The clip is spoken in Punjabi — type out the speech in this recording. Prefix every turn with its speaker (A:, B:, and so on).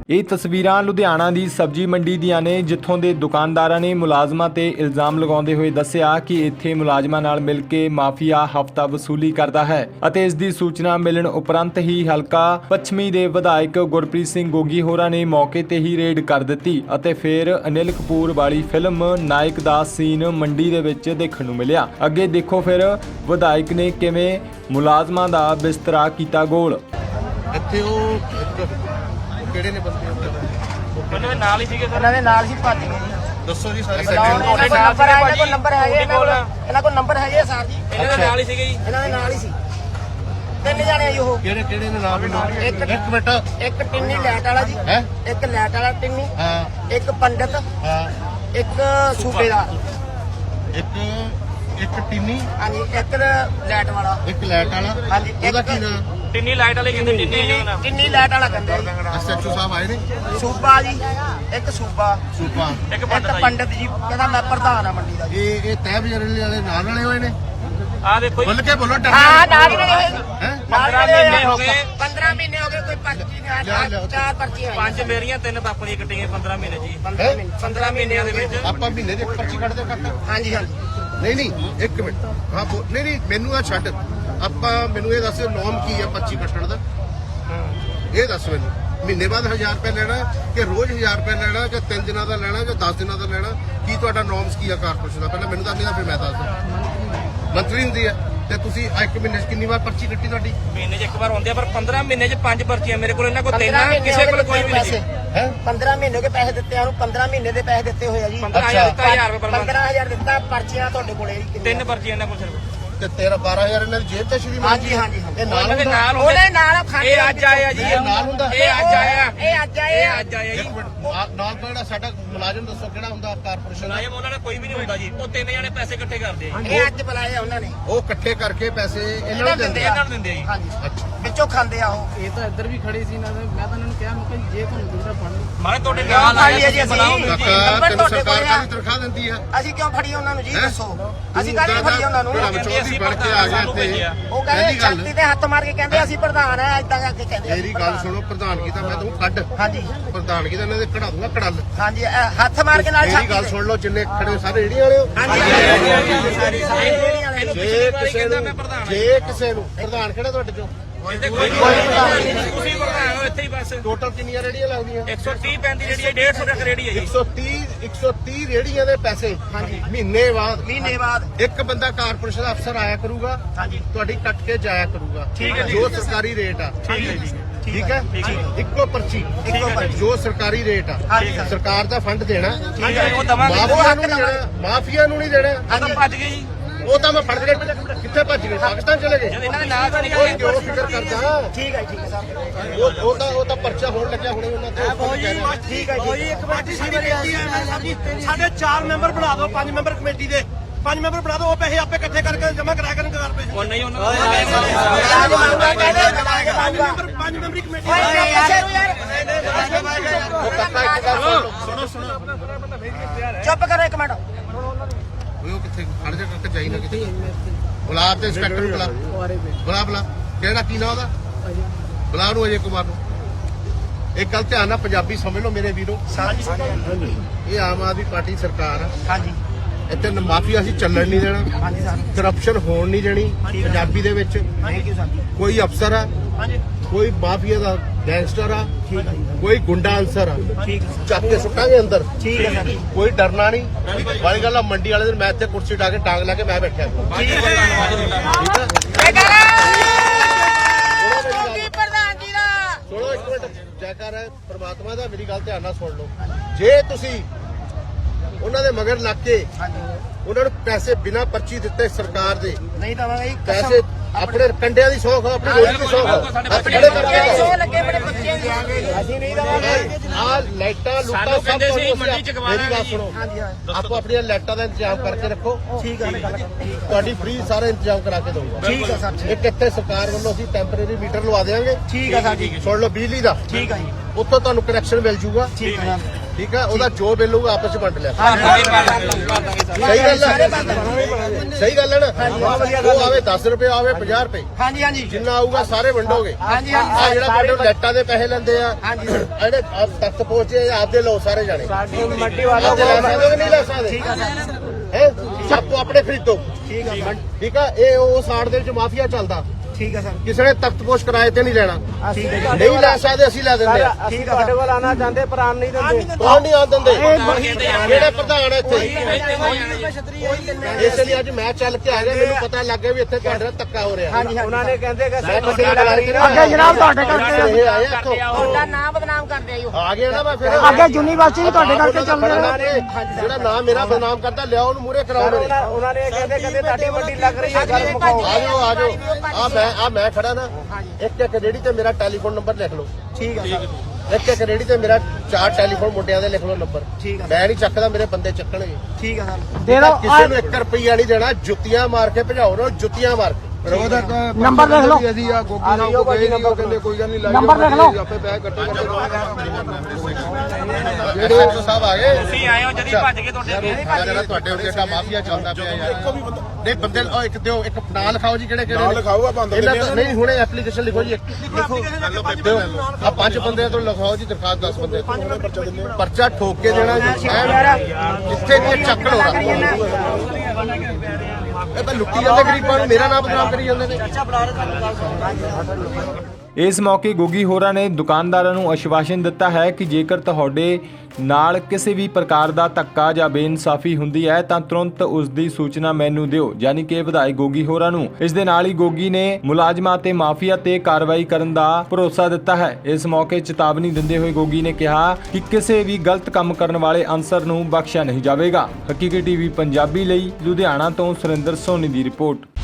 A: ਇਹ ਤਸਵੀਰਾਂ ਲੁਧਿਆਣਾ ਦੀ ਸਬਜ਼ੀ ਮੰਡੀ ਦੀਆਂ ਨੇ, ਜਿੱਥੋਂ ਦੇ ਦੁਕਾਨਦਾਰਾਂ ਨੇ ਮੁਲਾਜ਼ਮਾਂ ਤੇ ਇਲਜ਼ਾਮ ਲਗਾਉਂਦੇ ਹੋਏ ਦੱਸਿਆ ਕਿ ਇੱਥੇ ਮੁਲਾਜ਼ਮਾਂ ਨਾਲ ਮਿਲ ਕੇ ਮਾਫੀਆ ਹਫ਼ਤਾ ਵਸੂਲੀ ਕਰਦਾ ਹੈ ਅਤੇ ਇਸ ਦੀ ਸੂਚਨਾ ਮਿਲਣ ਉਪਰੰਤ ਹੀ ਹਲਕਾ ਪੱਛਮੀ ਦੇ ਵਿਧਾਇਕ ਗੁਰਪ੍ਰੀਤ ਸਿੰਘ ਗੋਗੀ ਹੋਰਾਂ ਨੇ ਮੌਕੇ ਤੇ ਹੀ ਰੇਡ ਕਰ ਦਿੱਤੀ ਅਤੇ ਫਿਰ ਅਨਿਲ ਕਪੂਰ ਵਾਲੀ ਫਿਲਮ ਨਾਇਕ ਦਾ ਸੀਨ ਮੰਡੀ ਦੇ ਵਿੱਚ ਦੇਖਣ ਨੂੰ ਮਿਲਿਆ। ਅੱਗੇ ਦੇਖੋ ਫਿਰ ਵਿਧਾਇਕ ਨੇ ਕਿਵੇਂ ਮੁਲਾਜ਼ਮਾਂ ਦਾ ਬਿਸਤਰਾ ਕੀਤਾ ਗੋਲ।
B: ਇੱਥੇ ਉਹ ਕਿਹੜੇ ਨੇ ਬੰਦੇ
C: ਉਹਨਾਂ ਦੇ ਨਾਲ ਹੀ ਸੀਗੇ ਸਰ,
D: ਇਹਨਾਂ ਦੇ ਨਾਲ ਹੀ ਭੱਜ ਗਏ ਜੀ।
B: ਦੱਸੋ ਜੀ ਸਾਰੇ
D: ਇਹਨਾਂ ਕੋਲ ਨੰਬਰ ਹੈ, ਇਹਨਾਂ ਕੋਲ ਨੰਬਰ ਹੈਗੇ, ਇਹਨਾਂ ਕੋਲ ਨੰਬਰ ਹੈਗੇ ਸਰ ਜੀ।
C: ਇਹਨਾਂ ਦੇ ਨਾਲ ਹੀ ਸੀਗੇ ਜੀ।
D: ਇਹਨਾਂ ਦੇ ਨਾਲ ਹੀ ਸੀ। ਤਿੰਨ ਜਾਣੇ ਆ ਜੀ ਉਹ।
B: ਕਿਹੜੇ ਕਿਹੜੇ ਨੇ ਨਾਮ ਇੱਕ ਮਿੰਟ
D: ਇੱਕ ਟਿੰਨੀ ਲੈਟ ਵਾਲਾ ਜੀ,
B: ਹੈ
D: ਇੱਕ ਲੈਟ ਵਾਲਾ ਟਿੰਨੀ,
B: ਹਾਂ
D: ਇੱਕ ਪੰਡਤ,
B: ਹਾਂ
D: ਇੱਕ ਸੂਬੇਦਾਰ,
B: ਇੱਕ ਟਿੰਨੀ
D: ਹਾਂਜੀ ਇੱਕ ਲੈਟ ਵਾਲਾ,
B: ਇੱਕ ਲੈਟ ਵਾਲਾ।
D: ਹਾਂਜੀ,
B: ਉਹਦਾ
D: ਇੱਕ
B: ਕੀ ਨਾਮ?
C: ਟਿੰਨੀ ਲਾਈਟ ਵਾਲੇ ਕਹਿੰਦੇ
D: ਟਿੰਨੀ ਲੈਟ ਵਾਲਾ ਕਹਿੰਦੇ ਜੀ।
B: ਐਸਐਚਓ ਸਾਹਿਬ ਆਏ ਨੇ।
D: ਸੂਬਾ ਜੀ, ਇੱਕ ਸੂਬਾ,
B: ਸੂਪਾ
C: ਇੱਕ
D: ਇੱਕ
C: ਪੰਡਤ
D: ਪੰਡਤ ਜੀ ਕਹਿੰਦਾ ਮੈਂ ਪ੍ਰਧਾਨ ਆ ਮੰਡੀ ਦਾ ਜੀ।
B: ਇਹ ਤੈਅ ਬਜਰਲੇ ਵਾਲੇ ਨਾਲ ਵਾਲੇ ਹੋਏ ਨੇ।
C: ਆ ਦੇਖੋ ਜੀ,
B: ਬੋਲ ਕੇ ਬੋਲੋ
D: ਹਾਂ ਨਾਲ ਹੀ ਰਹੇ ਜੀ।
B: ਹੈ
C: 15 ਮਹੀਨੇ ਹੋ ਗਏ।
D: 15 ਮਹੀਨੇ ਹੋ ਗਏ, ਕੋਈ ਪਰਚੀ ਨਹੀਂ, ਚਾਰ ਪਰਚੀਆਂ ਹੋਈਆਂ।
C: 5 ਮੇਰੀਆਂ 3 ਪਾਪਾ ਦੀਆਂ ਕੱਟੀਆਂ 15 ਮਹੀਨੇ ਜੀ।
D: 15
C: ਮਹੀਨਿਆਂ ਦੇ ਵਿੱਚ
B: ਆਪਾਂ ਮਹੀਨੇ ਦੀ ਪਰਚੀ ਕੱਢਦੇ ਕੱਟ।
D: ਹਾਂਜੀ ਹਾਂਜੀ।
B: ਨਹੀਂ ਇੱਕ ਮਿੰਟ ਹਾਂ ਨਹੀਂ ਮੈਨੂੰ ਆ ਛੱਡ। ਆਪਾਂ ਮੈਨੂੰ ਇਹ ਦੱਸ ਨੋਮ ਕੀ ਆ ਪਰਚੀ ਕੱਟਣ ਦਾ? ਇਹ ਦੱਸ ਮੈਨੂੰ। ਮਹੀਨੇ ਬਾਅਦ 1000 ਰੁਪਏ ਲੈਣਾ ਕਿ ਰੋਜ਼ 1000 ਰੁਪਏ ਲੈਣਾ ਜਾਂ 3 ਦਿਨਾਂ ਦਾ ਲੈਣਾ ਜਾਂ 10 ਦਿਨਾਂ ਦਾ ਲੈਣਾ? ਕੀ ਤੁਹਾਡਾ ਨੋਮਸ ਕੀ ਆ ਕਾਰਪੋਰੇਸ਼ਨ ਦਾ? ਪਹਿਲਾਂ ਮੈਨੂੰ ਦੱਸ ਨਹੀਂ ਤਾਂ ਫਿਰ ਮੈਂ ਦੱਸਦਾ। ਮੰਥਲੀ ਹੁੰਦੀ ਹੈ ਤੇ ਤੁਸੀਂ ਇੱਕ ਮਹੀਨੇ 'ਚ ਕਿੰਨੀ ਵਾਰ ਪਰਚੀ ਕੱਟੀ ਤੁਹਾਡੀ?
C: ਮਹੀਨੇ 'ਚ ਇੱਕ ਵਾਰ ਹੁੰਦੀ ਆ, ਪਰ 15 ਮਹੀਨੇ 'ਚ 5 ਪਰਚੀਆਂ ਮੇਰੇ ਕੋਲ। ਇਹਨਾਂ ਕੋਲ 3 ਕਿਸੇ ਕੋਲ ਕੋਈ ਵੀ ਨਹੀਂ।
B: ਹੈ
D: 15 ਮਹੀਨੇ ਕੇ ਪੈਸੇ ਦਿੱਤੇ ਆ, 15 ਮਹੀਨੇ ਦੇ ਪੈਸੇ ਦਿੱਤੇ ਹੋਏ ਆ ਜੀ।
C: 15000 ਦਿੱਤਾ, 1000 ਰੁਪਏ ਪਰ ਮੰਥ।
D: 15000 ਦਿੱਤਾ, ਪਰਚੀਆਂ ਤੁਹਾਡੇ ਕੋਲੇ ਜੀ।
C: 3 ਪਰਚੀਆਂ ਇਹਨਾਂ ਕੋਲ ਸਿਰਫ।
B: ਤੇ 13000 ਇਹਨਾਂ ਦੀ ਜੇਬ ਤੇ ਸ਼੍ਰੀਮਾਨ
D: ਹਾਂਜੀ ਹਾਂਜੀ
B: ਇਹ ਨਾਲ
C: ਉਹਨਾਂ ਦੇ
B: ਹੁੰਦਾ?
C: ਨਾਲ
D: ਉਹਦੇ ਨਾਲ ਖਾਂਦੇ
C: ਇਹ ਅੱਜ ਆਇਆ ਜੀ।
B: ਇਹ ਨਾਲ ਹੁੰਦਾ?
C: ਇਹ ਅੱਜ ਆਇਆ।
D: ਇਹ ਅੱਜ ਆਏ ਆ।
C: ਇਹ ਅੱਜ ਆਇਆ ਜੀ।
B: ਇੱਕ ਮਿੰਟ ਨਾਲ ਕਿਹੜਾ ਸਾਡਾ ਮੁਲਾਜ਼ਮ ਦੱਸੋ ਕਿਹੜਾ ਹੁੰਦਾ ਕਾਰਪੋਰੇਸ਼ਨ ਦਾ?
C: ਮੁਲਾਜ਼ਮ ਉਹਨਾਂ ਨੇ ਕੋਈ ਵੀ ਨਹੀਂ ਹੁੰਦਾ ਜੀ। ਉਹ 3 ਜਣੇ ਪੈਸੇ ਇਕੱਠੇ ਕਰਦੇ ਆ ਜੀ।
D: ਇਹ ਅੱਜ ਬੁਲਾਏ ਆ ਉਹਨਾਂ ਨੇ।
B: ਉਹ ਇਕੱਠੇ ਕਰਕੇ ਪੈਸੇ ਇਹਨਾਂ ਨੂੰ ਦਿੰਦੇ ਆ।
C: ਇਹਨਾਂ ਨੂੰ ਦਿੰਦੇ ਆ ਜੀ।
D: ਹਾਂਜੀ,
B: ਅੱਛਾ
D: ਵਿੱਚੋਂ ਖਾਂਦੇ ਆ ਉਹ।
E: ਇਹ ਤਾਂ ਇੱਧਰ ਵੀ ਖੜੇ ਸੀ ਨਾ, ਮੈਂ ਤਾਂ ਇਹਨਾਂ ਨੂੰ ਕਿਹਾ ਮੈਂ ਕਿਹਾ ਜੇ ਤੁਹਾਨੂੰ ਜਿਹੜਾ ਫੜ ਲਓ।
C: ਮਾਰੇ ਤੁਹਾਡੇ
D: ਕਿਉਂ
C: ਨਾਲ
D: ਫੜੀ ਹੈ ਜੀ
C: ਆਇਆ
D: ਅਸੀਂ?
B: ਕਾਕਾ
D: ਨੰਬਰ
B: ਤੈਨੂੰ
D: ਤੁਹਾਡੇ
B: ਸਰਕਾਰ
D: ਕੋਲ ਆ।
B: ਕਾਹਦੀ ਤਨਖਾਹ ਦਿੰਦੀ ਆ?
D: ਅਸੀਂ ਕਿਉਂ ਫੜੀ ਉਹਨਾਂ ਨੂੰ ਜੀ?
B: ਹੈਂ?
D: ਦੱਸੋ ਅਸੀਂ ਕਾਹਦੀ ਫੜੀ ਉਹਨਾਂ ਨੂੰ?
B: ਚੌਧਰੀ ਬਣ ਕੇ ਆ ਗਿਆ ਇੱਥੇ।
D: ਉਹ ਕਹਿੰਦੇ ਛਾਤੀ ਤੇ ਹੱਥ ਮਾਰ ਕੇ ਕਹਿੰਦੇ ਅਸੀਂ ਪ੍ਰਧਾਨ ਆ, ਇਦਾਂ ਕਰਕੇ ਕਹਿੰਦੇ
B: ਮੇਰੀ ਗੱਲ ਸੁਣੋ, ਪ੍ਰਧਾਨਗੀ ਤਾਂ ਮੈਂ ਤੂੰ ਕੱਢ।
D: ਹਾਂਜੀ
B: ਪ੍ਰਧਾਨਗੀ ਤਾਂ ਇਹਨਾਂ ਦੇ ਕਢਾ ਦੂੰਗਾ ਕੜਲ।
D: ਹਾਂਜੀ, ਹੱਥ ਮਾਰ ਕੇ ਨਾਲ
B: ਮੇਰੀ
D: ਛਾਤੀ
B: ਗੱਲ
D: ਤੇ।
B: ਸੁਣ ਲਓ, ਜਿੰਨੇ ਖੜੇ ਸਾਰੇ ਰੇੜੀ ਵਾਲੇ ਹੋ।
C: ਇਹਨੂੰ ਪਿਛਲੀ
B: ਜੇ
C: ਵਾਰੀ
B: ਕਿਸੇ
C: ਕਹਿੰਦਾ
B: ਨੂੰ
C: ਮੈਂ ਪ੍ਰਧਾਨ
B: ਜੇ ਕਿਸੇ ਨੂੰ ਪ੍ਰਧਾਨ ਕਿਹੜਾ ਤੁਹਾਡੇ ਚੋਂ?
C: ਇੱਥੇ ਕੋਈ ਨਹੀਂ। ਤੁਸੀਂ ਪ੍ਰਧਾਨ ਹੋ ਇੱਥੇ ਹੀ ਬਸ।
B: ਟੋਟਲ ਕਿੰਨੀਆਂ ਰੇੜੀਆਂ ਲੱਗਦੀਆਂ?
C: 130 35 ਰੇੜੀ ਹੈ, 150 ਤੱਕ ਰੇੜੀ ਹੈ ਜੀ।
B: 130 ਰੇੜੀਆਂ ਦੇ ਪੈਸੇ ਮਹੀਨੇ ਬਾਅਦ
D: ਮਹੀਨੇ ਬਾਅਦ
B: ਇੱਕ ਬੰਦਾ ਕਾਰਪੋਰੇਸ਼ਨ ਦਾ ਅਫਸਰ ਆਇਆ ਕਰੂਗਾ,
D: ਹਾਂਜੀ
B: ਤੁਹਾਡੀ ਕੱਟ ਕੇ ਜਾਇਆ ਕਰੂਗਾ।
C: ਠੀਕ ਹੈ ਜੀ।
B: ਜੋ ਸਰਕਾਰੀ ਰੇਟ ਆ।
C: ਠੀਕ ਹੈ ਜੀ।
B: ਠੀਕ ਹੈ ਇੱਕੋ ਪਰਚੀ
D: ਇੱਕੋ ਪਰਚੀ।
B: ਜੋ ਸਰਕਾਰੀ ਰੇਟ ਆ।
D: ਹਾਂਜੀ ਸਰ।
B: ਸਰਕਾਰ ਦਾ ਫੰਡ ਦੇਣਾ।
C: ਠੀਕ ਹੈ, ਉਹ ਦਵਾਂਗੇ।
B: ਮਾਫੀਆ ਨੂੰ ਨਹੀਂ ਦੇਣਾ। ਮਾਫੀਆ ਨੂੰ ਨਹੀਂ ਦੇਣਾ।
C: ਆ ਤਾਂ ਭੱਜ ਗਏ ਜੀ।
B: ਉਹ ਤਾਂ ਮੈਂ ਫੜ ਕੇ ਕਿੱਥੇ ਭੱਜ ਗਏ? ਪਾਕਿਸਤਾਨ ਚਲੇ ਗਏ।
C: ਇਹਨਾਂ ਦੇ ਨਾਲ ਤਾਂ ਨਹੀਂ
B: ਉਹ
C: ਗਏ।
B: ਕਿਉਂ ਫਿਕਰ ਕਰਦਾ?
D: ਠੀਕ ਹੈ ਸਰ।
B: ਉਹ ਤਾਂ ਪਰਚਾ ਹੋਣ ਲੱਗਿਆ ਹੁਣੇ ਉਹਨਾਂ ਤੇ।
D: ਠੀਕ ਹੈ ਜੀ।
E: ਇੱਕ ਪਾਰਟੀ ਸਾਡੀ ਬੇਨਤੀ ਹੈ ਸਾਡੇ 4 ਮੈਂਬਰ ਬਣਾ ਦਿਓ, 5 ਮੈਂਬਰ ਕਮੇਟੀ ਦੇ 5 ਮੈਂਬਰ ਬਣਾ ਦਿਓ। ਉਹ ਪੈਸੇ ਆਪੇ ਇਕੱਠੇ ਕਰਕੇ ਜਮ੍ਹਾਂ ਕਰਾਇਆ ਕਰਨ ਕਾਰਪੋਰੇਸ਼ਨ।
C: ਉਹ ਨਹੀਂ ਉਹਨਾਂ
D: ਰਾਜ ਮੰਗਾ ਕਹਿੰਦੇ ਰਾਜ ਮੰਗਾ।
E: 5 ਮੈਂਬਰੀ ਕਮੇਟੀ
D: ਓਏ ਕਿਸੇ ਨੂੰ ਯਾਰ
B: ਉਹ ਕੱਕਾ ਇੱਕ ਗੱਲ ਸੁਣੋ।
D: ਚੁੱਪ ਕਰੋ ਇੱਕ ਮਿੰਟ।
B: ਉਹ ਕਿੱਥੇ ਖੜ ਜਾ ਕੱਕ ਜਾਈ ਨਾ ਕਿਤੇ। ਬੁਲਾ ਤੇ ਇੰਸਪੈਕਟਰ ਨੂੰ ਬੁਲਾ ਕਿਹੜਾ ਕੀ ਨਾ ਉਹਦਾ? ਬੁਲਾ ਉਹਨੂੰ ਅਜੇ ਕੁਮਾਰ ਨੂੰ। ਇੱਕ ਗੱਲ ਧਿਆਨ ਨਾਲ ਪੰਜਾਬੀ ਸਮਝ ਲਓ ਮੇਰੇ ਵੀਰੋ। ਇਹ ਆਮ ਆਦਮੀ ਪਾਰਟੀ ਸਰਕਾਰ ਆ।
D: ਹਾਂਜੀ
B: ਇੱਥੇ ਮਾਫੀਆ ਅਸੀਂ ਚੱਲਣ ਨਹੀਂ ਦੇਣਾ।
D: ਹਾਂਜੀ ਸਰ।
B: ਕਰਪਸ਼ਨ ਹੋਣ ਨਹੀਂ ਦੇਣੀ ਪੰਜਾਬੀ ਦੇ ਵਿੱਚ।
D: Thank you sir.
B: ਕੋਈ ਅਫਸਰ ਆ, ਕੋਈ ਮਾਫੀਆ ਦਾ ਗੈਂਗਸਟਰ ਆ,
D: ਠੀਕ ਹੈ ਜੀ।
B: ਕੋਈ ਗੁੰਡਾ ਅਨਸਰ ਆ,
D: ਠੀਕ ਹੈ ਸਰ।
B: ਚੱਕ ਕੇ ਸੁੱਟਾਂਗੇ ਅੰਦਰ।
D: ਠੀਕ ਹੈ ਸਰ।
B: ਕੋਈ ਡਰਨਾ ਨਹੀਂ। ਵਾਲੀ ਗੱਲ ਆ, ਮੰਡੀ ਵਾਲੇ ਦਿਨ ਮੈਂ ਇੱਥੇ ਕੁਰਸੀ ਢਾ ਕੇ ਟਾਂਗ ਲਾ ਕੇ ਮੈਂ ਬੈਠਿਆ।
D: ਠੀਕ ਹੈ।
B: ਠੀਕ ਹੈ
D: ਪ੍ਰਧਾਨ ਜੀ ਦਾ
B: ਸੁਣੋ ਇੱਕ ਮਿੰਟ। ਜੈਕਾਰ ਹੈ ਪ੍ਰਮਾਤਮਾ ਦਾ। ਮੇਰੀ ਗੱਲ ਧਿਆਨ ਨਾਲ ਸੁਣ ਲਓ। ਜੇ ਤੁਸੀਂ ਉਹਨਾਂ ਦੇ ਮਗਰ ਲੱਗ ਕੇ ਉਹਨਾਂ ਨੂੰ ਪੈਸੇ ਬਿਨਾਂ ਪਰਚੀ ਦਿੱਤੇ ਸਰਕਾਰ ਦੇ
D: ਨਹੀਂ ਦਵਾਂਗਾ ਜੀ।
B: ਪੈਸੇ ਆਪਣੇ ਕੰਡਿਆਂ ਦੀ ਸੌਖ ਆਪਣੇ ਰੋਜ਼ ਦੀ ਸੌਖ ਖੜੇ ਕਰਕੇ
D: ਸੋ ਲੱਗੇ ਬੜੇ ਬੱਚੇ ਦਿਆਂਗੇ। ਅਸੀਂ ਨਹੀਂ ਦਵਾਂਗੇ।
B: ਆ ਲਾਈਟਾਂ ਲੁੱਟਾਂ
C: ਸਾਨੂੰ
B: ਸਭ
C: ਕਹਿੰਦੇ ਸੀ
B: ਤੁਹਾਨੂੰ
C: ਮੰਡੀ ਚ
B: ਮੇਰੀ ਗੱਲ ਸੁਣੋ।
D: ਹਾਂਜੀ ਹਾਂ
B: ਆਪੋ ਆਪਣੀਆਂ ਲਾਈਟਾਂ ਦਾ ਇੰਤਜ਼ਾਮ ਕਰਕੇ ਰੱਖੋ।
D: ਠੀਕ ਹੈ
B: ਤੁਹਾਡੀ ਫ੍ਰੀ ਸਾਰਾ ਇੰਤਜ਼ਾਮ ਕਰਾ ਕੇ ਦਊਗਾ।
D: ਠੀਕ ਹੈ ਸਰ।
B: ਇੱਕ ਇੱਥੇ ਸਰਕਾਰ ਵੱਲੋਂ ਅਸੀਂ ਟੈਂਪਰੇਰੀ ਮੀਟਰ ਲਵਾ ਦੇਵਾਂਗੇ।
D: ਠੀਕ ਹੈ ਸਰ ਜੀ।
B: ਸੁਣ ਲਓ ਬਿਜਲੀ ਦਾ।
D: ਠੀਕ ਹੈ ਜੀ।
B: ਉੱਥੋਂ ਤੁਹਾਨੂੰ ਕਨੈਕਸ਼ਨ ਮਿਲ ਜੂਗਾ।
D: ਠੀਕ ਹੈ ਸਰ।
B: ਠੀਕ ਹੈ, ਉਹਦਾ ਜੋ ਬਿੱਲ ਹੋਊਗਾ ਆਪਸ ਚ ਵੰਡ ਲਿਆ।
C: ਸਹੀ
B: ਸਹੀ ਗੱਲ ਹੈ ਨਾ। ਉਹ ਆਵੇ 10 ਰੁਪਏ ਆਵੇ 50 ਰੁਪਏ,
D: ਹਾਂਜੀ ਹਾਂਜੀ
B: ਜਿੰਨਾ ਆਊਗਾ ਸਾਰੇ ਵੰਡੋਗੇ।
D: ਹਾਂਜੀ
B: ਆ
D: ਹਾਂਜੀ
B: ਜਿਹੜਾ ਤੁਹਾਡੇ ਲੈਟਾਂ ਦੇ ਪੈਸੇ ਲੈਂਦੇ ਆ,
D: ਹਾਂਜੀ
B: ਜਿਹੜੇ ਤਖਤ ਪਹੁੰਚੇ ਆਪਦੇ ਲਓ ਸਾਰੇ ਜਾਣੇ।
D: ਮੰਡੀ
B: ਆਪਦੇ ਲੈ ਸਕਦੇ ਹੋ ਕਿ ਨਹੀਂ ਲੈ ਸਕਦੇ?
D: ਠੀਕ ਹੈ ਸਰ
B: ਹੈ ਆਪੋ ਆਪਣੇ ਖਰੀਦੋ।
D: ਠੀਕ ਹੈ ਸਰ
B: ਠੀਕ ਆ, ਇਹ ਉਹ ਸਾੜ ਦੇ ਵਿੱਚ ਮਾਫੀਆ ਚੱਲਦਾ।
D: ਠੀਕ ਹੈ ਸਰ
B: ਕਿਸੇ ਨੇ ਤਖਤਪੋਸ਼ ਕਿਰਾਏ ਤੇ ਨਹੀਂ ਲੈਣਾ,
D: ਠੀਕ ਹੈ
B: ਨਹੀਂ ਲੈ ਸਕਦੇ, ਅਸੀਂ ਲੈ ਦਿੰਦੇ ਆ।
D: ਠੀਕ ਹੈ ਤੁਹਾਡੇ ਕੋਲ ਆਣਾ ਚਾਹੁੰਦੇ ਪਰ ਆਣ ਨਹੀਂ ਦਿੰਦੇ
B: ਕੌਣ ਨਹੀਂ ਆ ਦਿੰਦੇ? ਕਿਹੜੇ ਪ੍ਰਧਾਨ ਆ ਇੱਥੇ? ਇਸ ਲਈ ਅੱਜ ਮੈਂ ਚੱਲ ਕੇ ਆ ਗਿਆ, ਮੈਨੂੰ ਪਤਾ ਲੱਗ ਗਿਆ ਵੀ ਇੱਥੇ ਤੁਹਾਡੇ ਨਾਲ ਧੱਕਾ ਹੋ ਰਿਹਾ।
D: ਹਾਂਜੀ ਉਹਨਾਂ ਨੇ ਕਹਿੰਦੇ ਕਿ
B: ਮੈਂ ਕਿਸੇ ਨਾਲ ਗੱਲ ਕੀਤੀ।
D: ਅੱਗੇ ਜਨਾਬ ਤੁਹਾਡੇ ਕਰਕੇ
B: ਇਹ ਆਏ ਇੱਥੋਂ
D: ਤੁਹਾਡਾ ਨਾਮ ਬਦਨਾਮ ਕਰਦੇ ਆ ਜੀ
B: ਆ ਗਿਆ ਨਾ। ਮੈਂ ਫਿਰ
D: ਅੱਗੇ ਯੂਨੀਵਰਸਿਟੀ ਵੀ ਤੁਹਾਡੇ ਕਰਕੇ ਚੱਲ ਰਿਹਾ
B: ਜਿਹੜਾ ਨਾਮ ਮੇਰਾ ਬਦਨਾਮ ਕਰਦਾ, ਲਿਆਓ ਉਹਨੂੰ ਮੂਹਰੇ ਕਰਾਓ ਮੇਰੇ।
D: ਉਹਨਾਂ ਨੇ ਕਹਿੰਦੇ ਕਹਿੰਦੇ ਤੁਹਾਡੀ ਮੰਡੀ ਲੱਗ ਰਹੀ ਹੈ ਗੱਲ ਮੁਕਾਓ
B: ਆ ਜਾਓ ਮੈਂ ਖੜਾ ਨਾ। ਇੱਕ ਇੱਕ ਰੇੜੀ ਤੇ ਮੇਰਾ ਟੈਲੀਫੋਨ ਨੰਬਰ ਲਿਖ ਲਓ।
D: ਠੀਕ ਹੈ
B: ਇੱਕ ਇੱਕ ਰੇੜੀ ਤੇ ਮੇਰਾ 4 ਟੈਲੀਫੋਨ ਮੁੰਡਿਆਂ ਦੇ ਲਿਖ ਲਓ ਨੰਬਰ।
D: ਠੀਕ ਹੈ
B: ਮੈਂ ਨਹੀਂ ਚੱਕਦਾ, ਮੇਰੇ ਬੰਦੇ ਚੱਕਣਗੇ।
D: ਠੀਕ ਹੈ ਸਰ
B: ਦੇ ਦਿਓ। ਕਿਸੇ ਨੂੰ 1 ਰੁਪਈਆ ਨਹੀਂ ਦੇਣਾ, ਜੁੱਤੀਆਂ ਮਾਰ ਕੇ ਭਜਾਓ ਰੋ, ਜੁੱਤੀਆਂ ਮਾਰ ਕੇ।
D: ਨੰਬਰ ਲਿਖ ਲਓ
F: ਅਸੀਂ ਆ ਗੋਗੀ ਨਾਲ ਕੋ ਗਏ ਨਹੀਂ, ਉਹ ਕਹਿੰਦੇ ਕੋਈ ਗੱਲ ਨਹੀਂ ਲਾਈਓ,
D: ਨੰਬਰ ਲਿਖ ਲਓ।
F: ਆਪੇ ਪੈਸੇ ਕੱਟੇ
B: ਜਿਹੜੇ ਐਸਓ ਸਾਹਿਬ ਆ ਗਏ।
C: ਤੁਸੀਂ ਆਏ ਹੋ ਜਦੀ ਭੱਜ ਕੇ ਤੁਹਾਡੇ ਅੱਗੇ
B: ਜਿਹੜਾ ਤੁਹਾਡੇ ਉੱਤੇ ਏਡਾ ਮਾਫੀਆ ਚੱਲਦਾ ਪਿਆ ਯਾਰ। ਨਹੀਂ ਬੰਦੇ ਉਹ ਇੱਕ ਦਿਓ, ਇੱਕ ਨਾਂ ਲਿਖਾਓ ਜੀ, ਕਿਹੜੇ
F: ਨਾਲ ਲਿਖਾਓ ਆ ਬੰਦ
B: ਇਹਨਾਂ ਤੋਂ ਨਹੀਂ, ਹੁਣੇ ਐਪਲੀਕੇਸ਼ਨ ਲਿਖੋ ਜੀ। ਦਿਓ ਆ 5 ਬੰਦਿਆਂ ਤੋਂ ਲਿਖਾਓ ਜੀ ਦਰਖਾਸਤ, 10 ਬੰਦੇ ਪਰਚਾ ਠੋਕ ਕੇ ਦੇਣਾ ਜੀ। ਜਿੱਥੇ ਵੀ ਚੱਕ ਲਓ। ਇਹ ਤਾਂ ਲੁੱਟੀ ਜਾਂਦੇ ਗਰੀਬਾਂ ਨੂੰ, ਮੇਰਾ ਨਾਮ ਬਦਨਾਮ ਕਰੀ ਜਾਂਦੇ ਨੇ।
A: ਇਸ ਮੌਕੇ ਗੋਗੀ ਹੋਰਾਂ ਨੇ ਦੁਕਾਨਦਾਰਾਂ ਨੂੰ ਆਸ਼ਵਾਸਨ ਦਿੱਤਾ ਹੈ ਕਿ ਜੇਕਰ ਤੁਹਾਡੇ ਨਾਲ ਕਿਸੇ ਵੀ ਪ੍ਰਕਾਰ ਦਾ ਧੱਕਾ ਜਾਂ ਬੇਇਨਸਾਫੀ ਹੁੰਦੀ ਹੈ ਤਾਂ ਤੁਰੰਤ ਉਸ ਦੀ ਸੂਚਨਾ ਮੈਨੂੰ ਦਿਓ, ਯਾਨੀ ਕਿ ਵਿਧਾਇਕ ਗੋਗੀ ਹੋਰਾਂ ਨੂੰ। ਇਸ ਦੇ ਨਾਲ ਹੀ ਗੋਗੀ ਨੇ ਮੁਲਾਜ਼ਮਾਂ ਤੇ ਮਾਫੀਆ ਤੇ ਕਾਰਵਾਈ ਕਰਨ ਦਾ ਭਰੋਸਾ ਦਿੱਤਾ ਹੈ। ਇਸ ਮੌਕੇ ਚੇਤਾਵਨੀ ਦਿੰਦੇ ਹੋਏ ਗੋਗੀ ਨੇ ਕਿਹਾ ਕਿ ਕਿਸੇ ਵੀ ਗਲਤ ਕੰਮ ਕਰਨ ਵਾਲੇ ਅਨਸਰ ਨੂੰ ਬਖਸ਼ਿਆ ਨਹੀਂ ਜਾਵੇਗਾ। ਹਕੀਕੀ ਟੀਵੀ ਪੰਜਾਬੀ ਲਈ ਲੁਧਿਆਣਾ ਤੋਂ ਸੁਰਿੰਦਰ ਸੋਨੀ ਦੀ ਰਿਪੋਰਟ।